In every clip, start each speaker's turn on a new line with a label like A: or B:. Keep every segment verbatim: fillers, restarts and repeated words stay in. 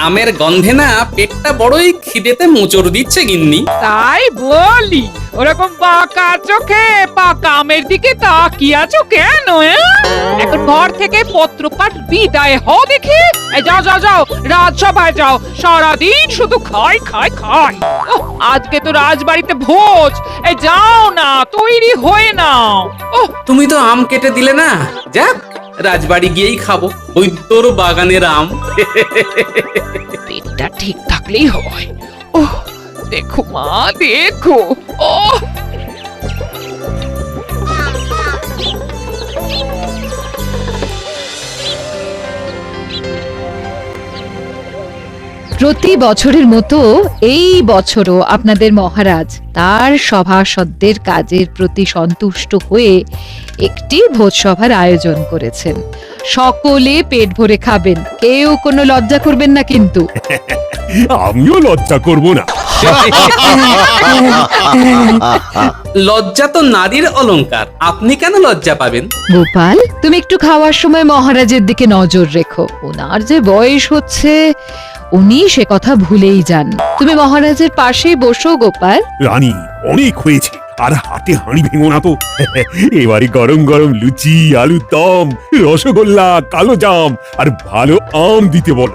A: আমের গন্ধে না পেটটা বড়ই খিদেতে মোচড় দিচ্ছে গিন্নি।
B: তাই বলি, ওরকম বাঁকা চোখে পাকা আমের দিকে তাকিয়ে আছো কেন? এখন ঘর থেকে পত্রপাঠ বিদায় হও দেখি। এই যাও যাও যাও, রাজসভায় যাও। সারাদিন শুধু খাই খাই খাই। ওহ, আজকে তো রাজবাড়িতে ভোজ। এই যাও না, তৈরি হয়ে নাও। ওহ,
A: তুমি তো আম কেটে দিলে না, যাক রাজবাড়ি গিয়েই খাবো বৈদ্যর বাগানের আম।
B: পেটটা ঠিক থাকলেই হয়। ওহ, দেখো মা, দেখো। ওহ,
C: প্রতি বছরের মতো এই বছরও আপনাদের মহারাজ তার সভাসদদের কাজের প্রতি সন্তুষ্ট হয়ে একটি ভোজসভার আয়োজন করেছেন। সকলে পেট ভরে খাবেন, কেউ কোনো লজ্জা করবেন না কিন্তু।
D: আমিও লজ্জা করব না।
A: লজ্জা তো নারীর অলংকার, আপনি কেন লজ্জা পাবেন?
C: গোপাল, তুমি একটু খাওয়ার সময় মহারাজের দিকে নজর রেখো। ওনার যে বয়স হচ্ছে, উনি সে কথা ভুলেই যান। তুমি মহারাজের পাশেই বসো গোপাল।
D: রানী, অনেক হয়েছে, আর হাতে হাঁড়ি ভেঙো না তো। এবারে গরম গরম লুচি, আলুর দম, রসগোল্লা, কালো জাম আর ভালো আম দিতে বলো।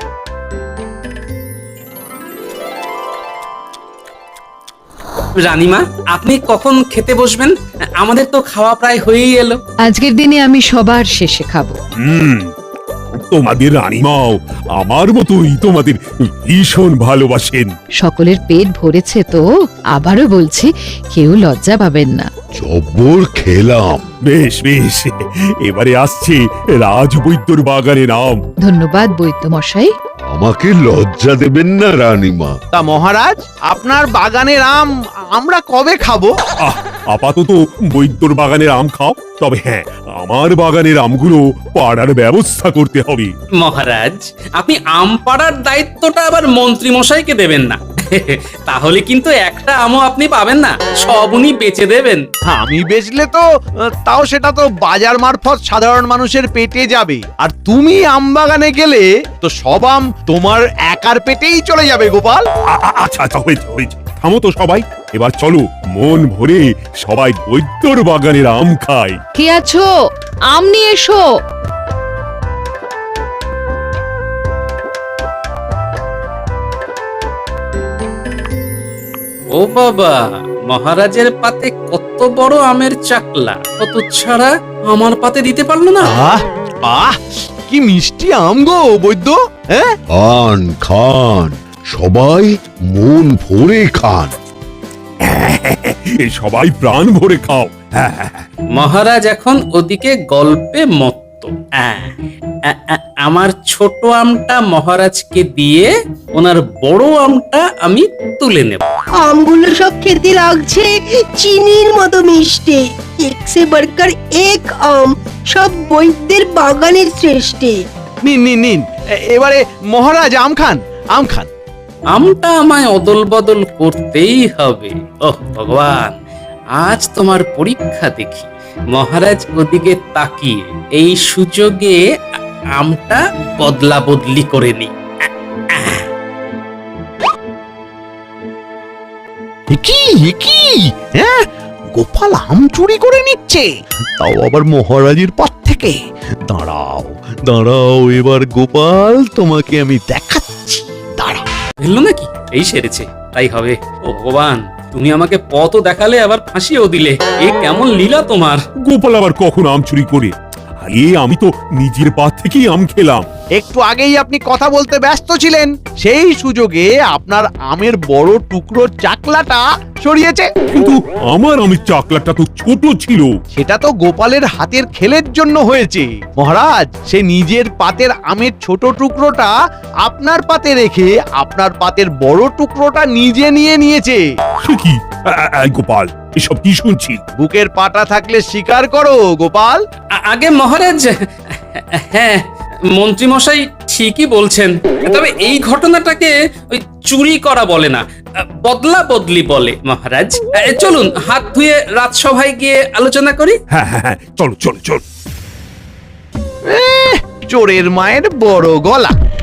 A: রানীমা, আপনি কখন খেতে বসবেন? আমাদের তো খাওয়া প্রায় হয়েই এলো।
C: আজকের দিনে আমি সবার শেষে খাবো।
D: হুম, তোমাদের রানীমাও আমার মতোই তোমাদের ভীষণ ভালোবাসেন।
C: সকলের পেট ভরেছে তো, আবারও বলছি, কেউ লজ্জা পাবেন না।
E: জব্বর খেলাম।
D: বেশ বেশ, এবারে আসছে রাজবৈদ্যর বাগানের আম।
C: ধন্যবাদ বৈদ্য মশাই।
E: আমাকে লজ্জা দেবেন না রানীমা।
F: তা মহারাজ, আপনার বাগানের আম আমরা কবে খাবো?
D: আহ, আপাতত বৈদ্যর বাগানের আম খাও, তবে হ্যাঁ, আমার বাগানের আমগুলো পাড়ার ব্যবস্থা করতে হবে।
A: মহারাজ, আপনি আম পাড়ার দায়িত্বটা আবার মন্ত্রী মশাইকে দেবেন না। তাহলে কিন্তু একটা আমও আপনি পাবেন না, সব উনি বেচে দেবেন।
F: আমি বেচলে তো আহ, তাও সেটা তো বাজার মারফত সাধারণ মানুষের পেটে যাবে, আর তুমি আম বাগানে গেলে তো সব আম তোমার একার পেটেই চলে যাবে গোপাল।
D: আ- আ- আচ্ছা আচ্ছা, হয়েছে হয়েছে, থামো তো সবাই, এবার চলো মন ভরে সবাই বৈদ্যর বাগানের আম খাই।
C: কে আছো? আম নিয়ে এসো।
A: ও বাবা, মহারাজের পাতে কত বড় আমের চাকলা, কত ছাড়া আমার পাতে দিতে পারলো না।
F: আহ আহ কি মিষ্টি আম গো বৈদ্য। হ্যাঁ,
E: খান খান, সবাই মন ভরে খান।
D: এ সবাই প্রাণ ভরে খাও। হ্যাঁ হ্যাঁ হ্যাঁ।
A: মহারাজ এখন ওদিকে গল্পে মত্ত। আহ, আ- আ- আমার ছোট আমটা মহারাজকে দিয়ে ওনার বড় আমটা আমি তুলে নেব।
G: আমগুলো সব খেতে লাগছে চিনির মতো মিষ্টি। এক সে বড়কর এক আম, সব বৈদ্যের বাগানের শ্রেষ্ঠ।
F: নিন নিন নিন, এ- এবারে মহারাজ আম খান, আম খান।
A: আমটা আমায় অদল বদল করতেই হবে। ওহ ভগবান, আজ তোমার পরীক্ষা দেখি। মহারাজ ওদিকে তাকিয়ে এই সুযোগে আ- আমটা বদলা বদলি করে নি।
F: এ কি এ কি? হ্যাঁ, গোপাল আম চুরি করে নিচ্ছে, তাও আবার মহারাজের পথ থেকে। দাঁড়াও দাঁড়াও, এবার গোপাল তোমাকে আমি দেখাচ্ছি, দাঁড়াও।
A: ফেললো নাকি? এই সেরেছে, তাই হবে। ও ভগবান, তুমি আমাকে পথও দেখালে আবার ফাঁসিও দিলে। এ কেমন লীলা তোমার!
D: গোপাল আবার কখন আম চুরি করে? আরে আমি তো নিজের পা থেকেই আম খেলাম।
F: একটু আগেই আপনি কথা বলতে ব্যস্ত ছিলেন, সেই সুযোগে আপনার আমের বড় টুকরোর চাকলাটা সরিয়েছে।
D: কিন্তু আমার আমের চাকলাটা তো ছোট ছিল।
F: সেটা তো গোপালের হাতের খেলের জন্য হয়েছে মহারাজ। সে নিজের পাতের আমের ছোট টুকরোটা আপনার পাতে রেখে আপনার পাতের বড় টুকরোটা নিজে নিয়ে নিয়েছে।
D: সে কি? আ- আ- আ, গোপাল, এসব কি শুনছি?
F: বুকের পাটা থাকলে স্বীকার করো গোপাল।
A: আ- আগে মহারাজ, হ্যাঁ, মন্ত্রী মশাই ঠিকই বলছেন। তবে এই ঘটনাটাকে ওই চুরি করা বলে না, বদলা বদলি বলে মহারাজ। এ, চলুন হাত ধুয়ে রাজসভায় গিয়ে আলোচনা করি।
D: হ্যাঁ হ্যাঁ হ্যাঁ, চলো চলো চলো।
F: চোরের মায়ের বড় গলা।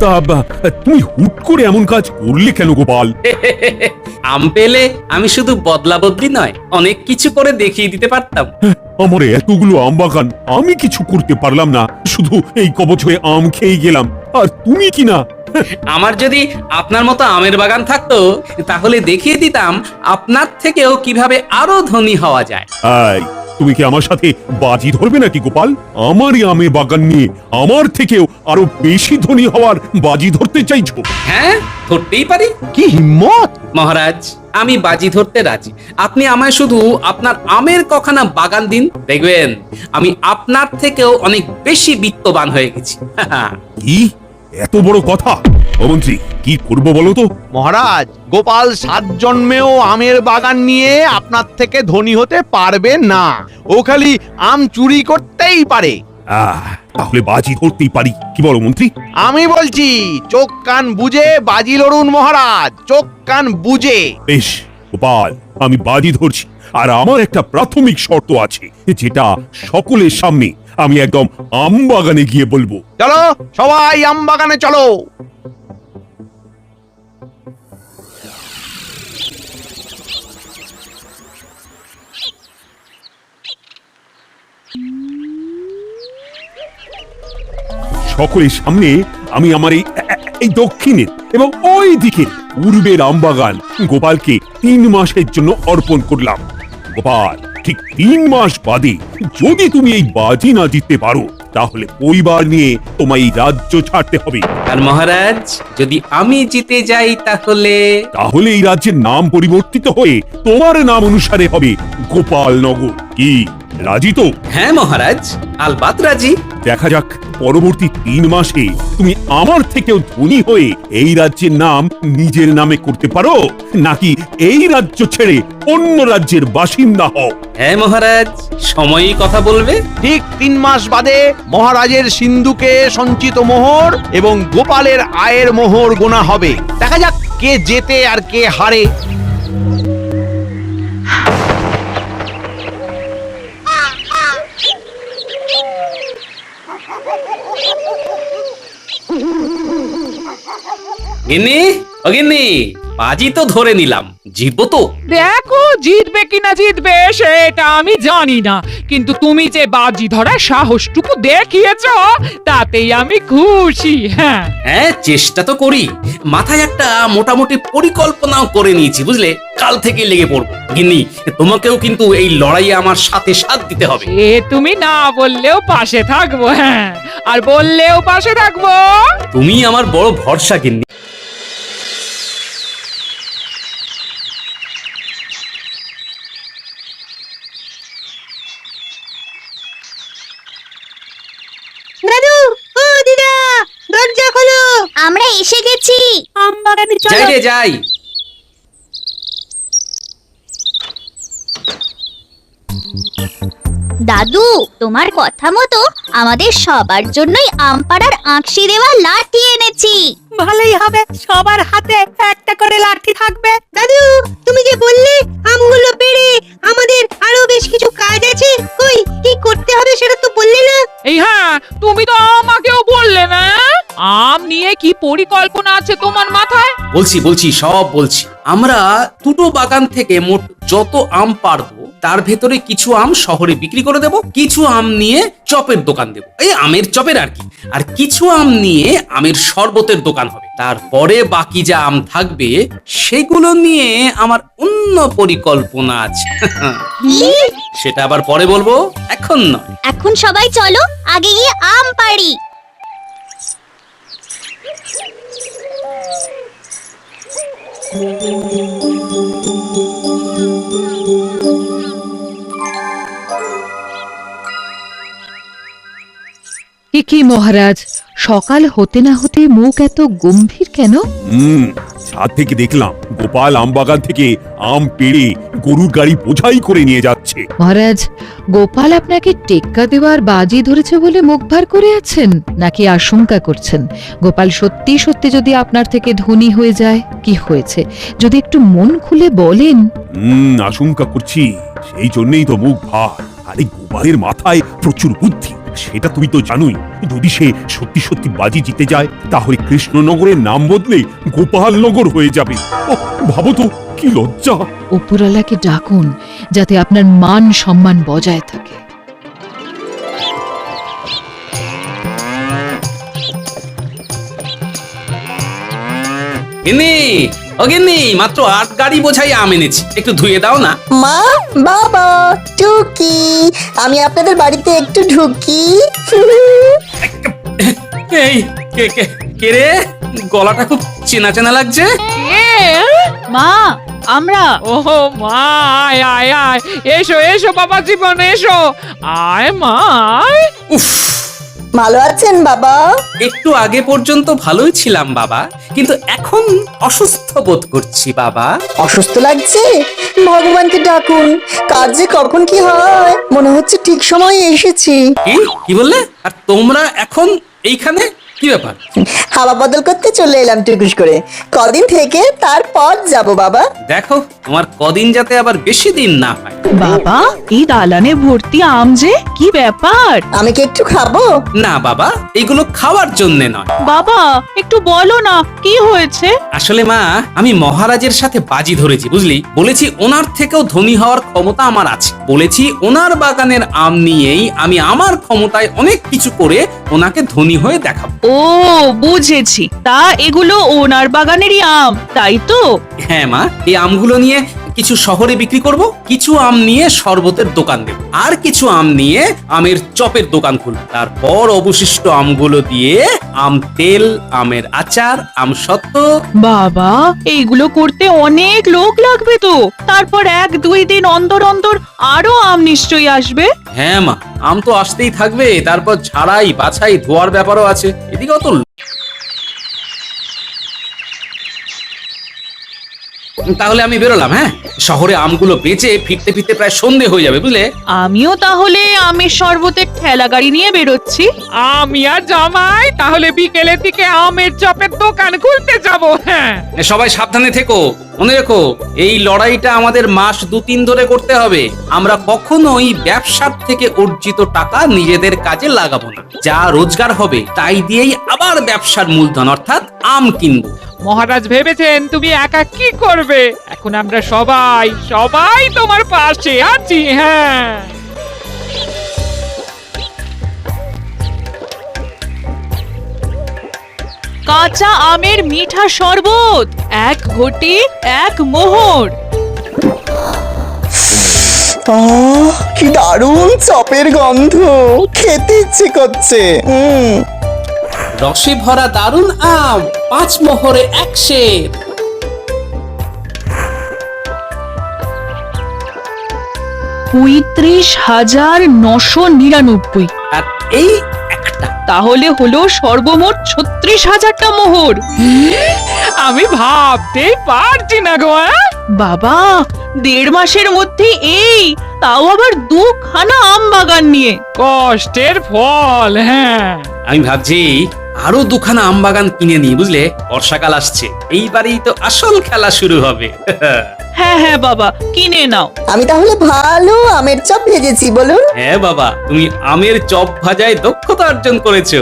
D: তা বা- তুমি হুট করে এমন কাজ করলে কেন গোপাল?
A: আম পেলে আমি শুধু বদলা বদলি নয়, অনেক কিছু করে দেখিয়ে দিতে পারতাম।
D: আমার এতগুলো আম বাগান, আমি কিছু করতে পারলাম না, শুধু এই কবচ হয়ে আম খেয়ে গেলাম, আর তুমি কি না?
A: আমার যদি আপনার মতো আমের বাগান থাকতো তাহলে দেখিয়ে দিতাম আপনার থেকেও কিভাবে আরো ধনী হওয়া যায়।
D: এই, তুমি কি আমার সাথে বাজি ধরবে নাকি গোপাল? আমারই আমের বাগান নিয়ে আমার থেকেও আরো বেশি ধনী হওয়ার বাজি ধরতে চাইছো?
A: হ্যাঁ, ধরতেই পারি
F: কি হিম্মত!
A: মহারাজ। আমি বাজি ধরতে রাজি। আপনি আমায় শুধু আপনার আমের কখানা বাগান দিন, দেখবেন আমি আপনার থেকেও অনেক বেশি বিত্তবান হয়ে গেছি।
D: কি এত বড় কথা? ও মন্ত্রী, কি করবো বলো তো?
F: মহারাজ, গোপাল সাত জন্মেও আমের বাগান নিয়ে আপনার থেকে ধনী হতে পারবে না। ও খালি আম চুরি করতেই পারে।
D: আহ, তাহলে বাজি ধরতেই পারি, কি বলো মন্ত্রী?
F: আমি বলছি, চোখ কান বুঝে বাজি লড়ুন মহারাজ, চোখ কান বুঝে।
D: বেশ গোপাল, আমি বাজি ধরছি, আর আমার একটা প্রাথমিক শর্ত আছে, যেটা সকলের সামনে আমি একদম আম বাগানে গিয়ে বলবো।
F: চলো সবাই আম বাগানে চলো।
D: সকলের সামনে আমি আমার এই এই দক্ষিণের এবং ওই দিকে পূর্বের আমবাগান গোপালকে তিন মাসের জন্য অর্পণ করলাম। গোপাল, ঠিক তিন মাস বাদে যদি তুমি এই বাজি না জিততে পারো, তাহলে পরিবার নিয়ে তোমায় এই রাজ্য ছাড়তে হবে।
A: আর মহারাজ, যদি আমি জিতে যাই তাহলে?
D: তাহলে এই রাজ্যের নাম পরিবর্তিত হয়ে তোমার নাম অনুসারে হবে গোপাল নগর। কি রাজি তো?
A: হ্যাঁ মহারাজ, আলবাত রাজি।
D: দেখা যাক পরবর্তী তিন মাসে তুমি আমার থেকেও ধনী হয়ে এই রাজ্যের নাম নিজের নামে করতে পারো, নাকি এই রাজ্য ছেড়ে অন্য রাজ্যের বাসিন্দা হও।
A: হ্যাঁ মহারাজ, সময়ই কথা বলবে।
F: ঠিক তিন মাস বাদে মহারাজের সিন্ধুকে সঞ্চিত মোহর এবং গোপালের আয়ের মোহর গোনা হবে। দেখা যাক কে জেতে আর কে হারে।
A: গিন্নি, ও গিন্নি, বাজি তো ধরে নিলাম, জিতবো তো?
B: দেখো, জিতবে কিনা জিতবে সেটা আমি জানি না, কিন্তু তুমি যে বাজি ধরার সাহসটুকু দেখিয়েছ তাতেই আমি খুশি। হ্যাঁ
A: হ্যাঁ, চেষ্টা তো করি। মাথায় একটা মোটামুটি পরিকল্পনাও করে নিয়েছি, বুঝলে? কাল থেকে লেগে পড়বো। গিন্নি, তোমাকেও কিন্তু এই লড়াইয়ে আমার সাথে সাথ দিতে হবে।
B: এ তুমি না বললেও পাশে থাকবো, হ্যাঁ, আর বললেও পাশে থাকবো।
A: তুমি আমার বড় ভরসা গিন্নি।
G: দাদু, ও দিদা, দরজা খোলো।
H: আমরা এসে গেছি।
G: আম বাগানে
A: যাই
G: চলো।
A: রে যাই।
H: দাদু, তোমার কথা মতো আমাদের সবার জন্যই আমপাড়ার আঁকশি দেওয়া লাঠি এনেছি।
G: ভালোই হবে, সবার হাতে একটা করে লাঠি থাকবে। দাদু, তুমি যে বললে আমগুলো পেড়ে আমাদের আরো বেশ কিছু কাজ আছে, কই কি করতে হবে সেটা তো বললে না।
B: এই হ্যাঁ, তুমি তো আমাকেও বললে না। আম নিয়ে কি পরিকল্পনা আছে তোমার মাথায়?
A: বলছি বলছি সব বলছি। আমরা দুটো বাগান থেকে মোট যত আম পারবো তার ভেতরে কিছু আম শহরে বিক্রি করে দেব, কিছু আম নিয়ে চপের দোকান দেব, এই আমের চপের আর কি, আর কিছু আম নিয়ে আমের শরবতের দোকান হবে। তারপরে বাকি যা আম থাকবে সেগুলো নিয়ে আমার অন্য পরিকল্পনা আছে। সেটা আবার পরে বলবো, এখন নয়।
H: এখন সবাই চলো আগে গিয়ে আম পাড়ি।
C: এ কি মহারাজ, সকাল হতে না হতে মুখ এত গম্ভীর কেন?
D: হুম, ছাদ থেকে দেখলাম গোপাল আম বাগান থেকে আম পেড়ে গরুর গাড়ি বোঝাই করে নিয়ে যাচ্ছে।
C: মহারাজ, গোপাল আপনাকে টেক্কা দেওয়ার বাজি ধরেছে বলে মুখ ভার করে আছেন, নাকি আশঙ্কা করছেন গোপাল সত্যি সত্যি যদি আপনার থেকে ধনী হয়ে যায়? কি হয়েছে যদি একটু মন খুলে বলেন।
D: হুম, আশঙ্কা করছি, সেই জন্যই তো মুখ ভার। আরে গোপালের মাথায় প্রচুর বুদ্ধি, সেটা তুমি তো জানোই। যদি সে সত্যি সত্যি বাজি জিতে যায় তাহলে কৃষ্ণনগরের নাম বদলে গোপালনগর হয়ে যাবে। ওহ, ভাবো তো কি লজ্জা।
C: উপরওয়ালাকে ডাকুন যাতে আপনার মান সম্মান বজায় থাকে।
A: গিন্নি, ও গিন্নি, মাত্র আট গাড়ি বোঝাই আম এনেছি, একটু ধুয়ে দাও না।
I: মা, বাবা, টুকি, আমি আপনাদের বাড়িতে একটু ঢুকি।
A: এই কে কে কে রে? গলাটা খুব চেনা চেনা লাগছে।
B: কে?
H: মা আমরা
B: ওহো মা, আয় আয় আয়, এসো এসো বাবা জীবন, এসো, আয় মা আয়।
A: উফ,
I: ভালো আছেন বাবা?
A: একটু আগে পর্যন্ত ভালোই ছিলাম বাবা, কিন্তু এখন অসুস্থ বোধ করছি বাবা।
I: অসুস্থ লাগছে? ভগবানকে ডাকুন, কাজ যে কখন কি হয়, মনে হচ্ছে ঠিক সময়ে এসেছি।
A: কি কি বললে? আর তোমরা এখন এইখানে কি ব্যাপার?
I: হাওয়া বদল করতে চলে এলাম টুকুস করে, কদিন থেকে তারপর যাব বাবা।
A: দেখো তোমার কদিন যাতে আবার বেশি দিন না হয়।
J: বাবা, এই দালানে ভর্তি আম যে, কি ব্যাপার?
I: আমি কি একটু খাবো?
A: না বাবা, এগুলো খাওয়ার জন্য নয়।
J: বাবা, একটু বলো না কি হয়েছে?
A: আসলে মা, আমি মহারাজের সাথে বাজি ধরেছি বুঝলি। বলেছি ওনার থেকেও ধনী হওয়ার ক্ষমতা আমার আছে। বলেছি ওনার বাগানের আম নিয়েই আমি আমার ক্ষমতায় অনেক কিছু করে ওনাকে ধনী হয়ে দেখাবো।
J: ও বুঝেছি, তা এগুলো ওনার বাগানেরই আম, তাই তো?
A: হ্যাঁ মা, এই আমগুলো নিয়ে কিছু শহরে বিক্রি করব, কিছু আম নিয়ে শরবতের দোকান দেব, আর কিছু আম নিয়ে আমের চপের দোকান খুলব। তারপর অবশিষ্ট আমগুলো দিয়ে আম তেল, আমের আচার, আম সত্ত্ব।
J: বাবা, এইগুলো করতে অনেক লোক লাগবে তো। তারপর এক দুই দিন অন্তর অন্তর আরো আম নিশ্চয়ই আসবে।
A: হ্যাঁ মা, আম তো আসতেই থাকবে, তারপর ঝাড়াই বাছাই ধোয়ার ব্যাপারও আছে। এদিকে অত তাহলে আমি বেরোলাম। হ্যাঁ, শহরে আমগুলো বেচে ফিরতে ফিরতে প্রায় সন্ধে হয়ে যাবে বুঝলে।
J: আমিও তাহলে আমের শরবতের ঠেলা গাড়ি নিয়ে বেরোচ্ছি।
B: আমি আর জামাই তাহলে বিকেলের দিকে আমের চপের দোকান খুলতে যাব। হ্যাঁ,
A: সবাই সাবধানে থেকো, মনে রেখো এই লড়াইটা আমাদের মাস দু তিন ধরে করতে হবে। আমরা কখনোই ব্যবসার থেকে অর্জিত টাকা নিজেদের কাজে লাগাবো না। যা রোজগার হবে তাই দিয়েই আবার ব্যবসার মূলধন অর্থাৎ আম কিনবো।
B: মহারাজ ভেবেছেন তুমি একা কি করবে, এখন আমরা সবাই সবাই তোমার পাশে আছি। হ্যাঁ,
J: কাঁচা আমের মিঠা শরবত, এক ঘটি এক মোহর।
I: আহ, কি দারুণ চপের গন্ধ, খেতে ইচ্ছে করছে। হুম,
A: রসে ভরা দারুন আম, পাঁচ মোহরে এক সের।
J: পঁয়ত্রিশ হাজার নশো নিরানব্বই।
A: আর এই একটা।
J: তাহলে হলো সর্বমোট ছত্রিশ হাজারটা মোহর।
B: আমি ভাবতেই পারছি না গো। হ্যাঁ?
J: বাবা, দেড় মাসের মধ্যে এই, তাও আবার দুখানা আম বাগান নিয়ে।
B: কষ্টের ফল। হ্যাঁ,
A: আমি ভাবছি আরো দুখানা আম বাগান কিনে নিই বুঝলে। বর্ষাকাল আসছে, এইবারেই তো আসল খেলা শুরু হবে।
J: হ্যাঁ হ্যাঁ বাবা, কিনে নাও।
I: আমি তাহলে ভালো আমের চপ ভেজেছি বলুন।
A: হ্যাঁ বাবা, তুমি আমের চপ ভাজায় দক্ষতা অর্জন করেছো।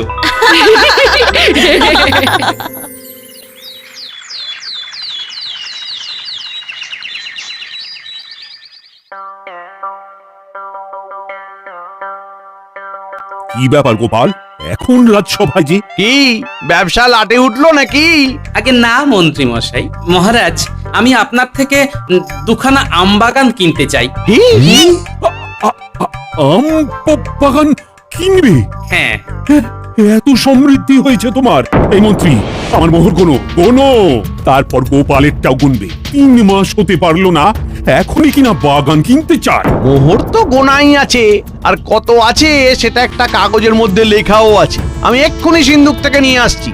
D: কি ব্যাপার গোপাল, এখন রাজসভায় যে?
F: কি ব্যবসা লাটে উঠলো নাকি?
A: আগে না মন্ত্রী মশাই, মহারাজ আমি আপনার থেকে উম, দুখানা আম বাগান কিনতে চাই।
F: কি?
D: আ- আ- আম প- বাগান কিনবে?
A: হ্যাঁ,
D: এ- এত সমৃদ্ধি হয়েছে তোমার। এই মন্ত্রী, আমার মোহর গোনো গোনো, তারপর গোপালেরটাও গুনবে। তিন মাস হতে পারলো না, এখনই কিনা বাগান কিনতে চায়।
F: মোহর তো গোনাই আছে, আর কত আছে সেটা একটা কাগজের মধ্যে লেখাও আছে। আমি এক্ষুনি সিন্ধুক থেকে নিয়ে আসছি।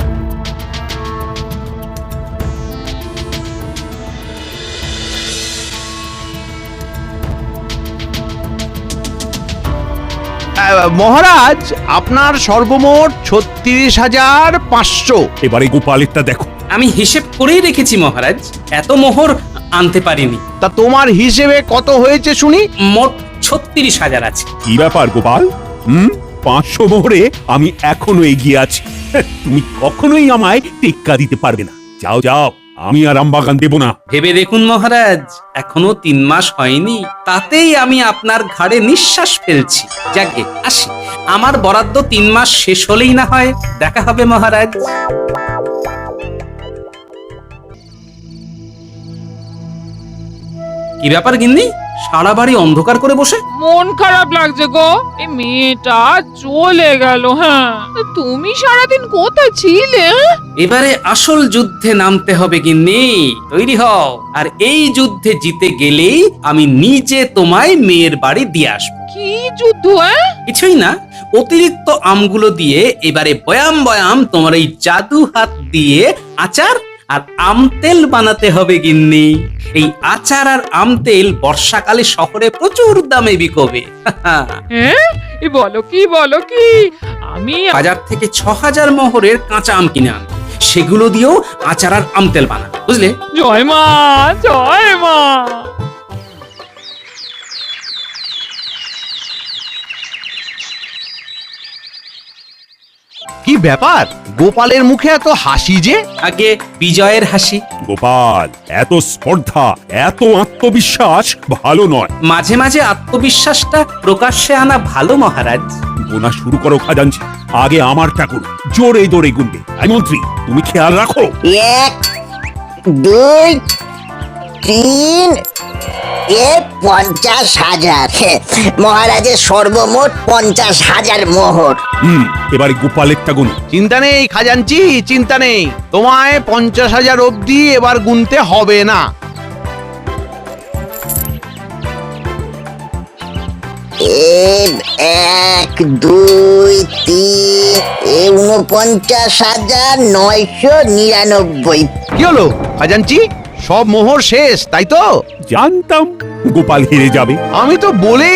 F: আহ, মহারাজ, আপনার সর্বমোট ছত্রিশ হাজার পাঁচশো।
D: এবারে গোপালেরটা দেখো।
A: আমি হিসেব করেই রেখেছি মহারাজ, এত মোহর আনতে পারিনি।
F: তা তোমার হিসেবে কত হয়েছে শুনি?
A: মোট ছত্রিশ হাজার আছে।
D: কি ব্যাপার গোপাল? হুম, পাঁচশো মোহরে আমি এখনো এগিয়ে আছি। তুমি কখনোই আমায় টেক্কা দিতে পারবে না। যাও যাও, আমি আর আমবাগান দেব না।
A: ভেবে দেখুন মহারাজ, এখনো তিন মাস হয়নি, তাতেই আমি আপনার ঘাড়ে নিঃশ্বাস ফেলছি। যাকে আসি, আমার বরাদ্দ তিন মাস শেষ হলেই না হয় দেখা হবে মহারাজ। কি ব্যাপার গিন্নি, সারা বাড়ি অন্ধকার করে বসে?
B: মন খারাপ লাগছে গো, এই মেয়েটা চলে গেল। হ্যাঁ, তা তুমি সারাদিন কোথায় ছিলে? হ্যাঁ?
A: এবারে আসল যুদ্ধে নামতে হবে গিন্নি, তৈরি হও। আর এই যুদ্ধে জিতে গেলেই আমি নিজে তোমায় মেয়ের বাড়ি দিয়ে আসবো।
B: কি যুদ্ধ? হ্যাঁ?
A: কিছুই না, অতিরিক্ত আমগুলো দিয়ে এবারে বয়াম বয়াম তোমার এই জাদু হাত দিয়ে আচার আর আম তেল বানাতে হবে গিন্নি। এই আচার আর আম তেল বর্ষাকালে শহরে প্রচুর দামে বিকবে।
B: হ্যাঁ? এ বলো কি বলো কি? আমি
A: বাজার থেকে ছ হাজার মোহরের কাঁচা আম কিনে আন, সেগুলো দিয়েও আচার আর আম তেল বানা, বুঝলে?
B: জয় মা, জয় মা।
F: কি ব্যাপার, গোপালের মুখে এত হাসি যে?
A: আগে বিজয়ের হাসি।
D: গোপাল, এত স্পর্ধা, এত আত্মবিশ্বাস ভালো নয়।
A: মাঝে মাঝে আত্মবিশ্বাসটা প্রকাশ্যে আনা ভালো মহারাজ।
D: গোনা শুরু করো খাজাঞ্চি, আগে আমারটা করো। জোরে দৌড়ে গুনবে। আই মন্ত্রী, তুমি খেয়াল রাখো।
I: এক, দুই, তিন, এ পঞ্চাশ হাজার। মহারাজের সর্বমোট পঞ্চাশ হাজার মোহর।
D: হুম, এবারে গোপালেরটা গুনো।
F: চিন্তা নেই খাজাঞ্চি, চিন্তা নেই, তোমায় পঞ্চাশ হাজার অবধি এবার গুনতে হবে না।
I: এক, দুই, তিন, এ উনপঞ্চাশ হাজার নয়শো নিরানব্বই।
F: কি হলো খাজাঞ্চি, সব মোহর শেষ তাই তো?
D: জানতাম গোপাল হেরে যাবে।
F: আমি তো বলে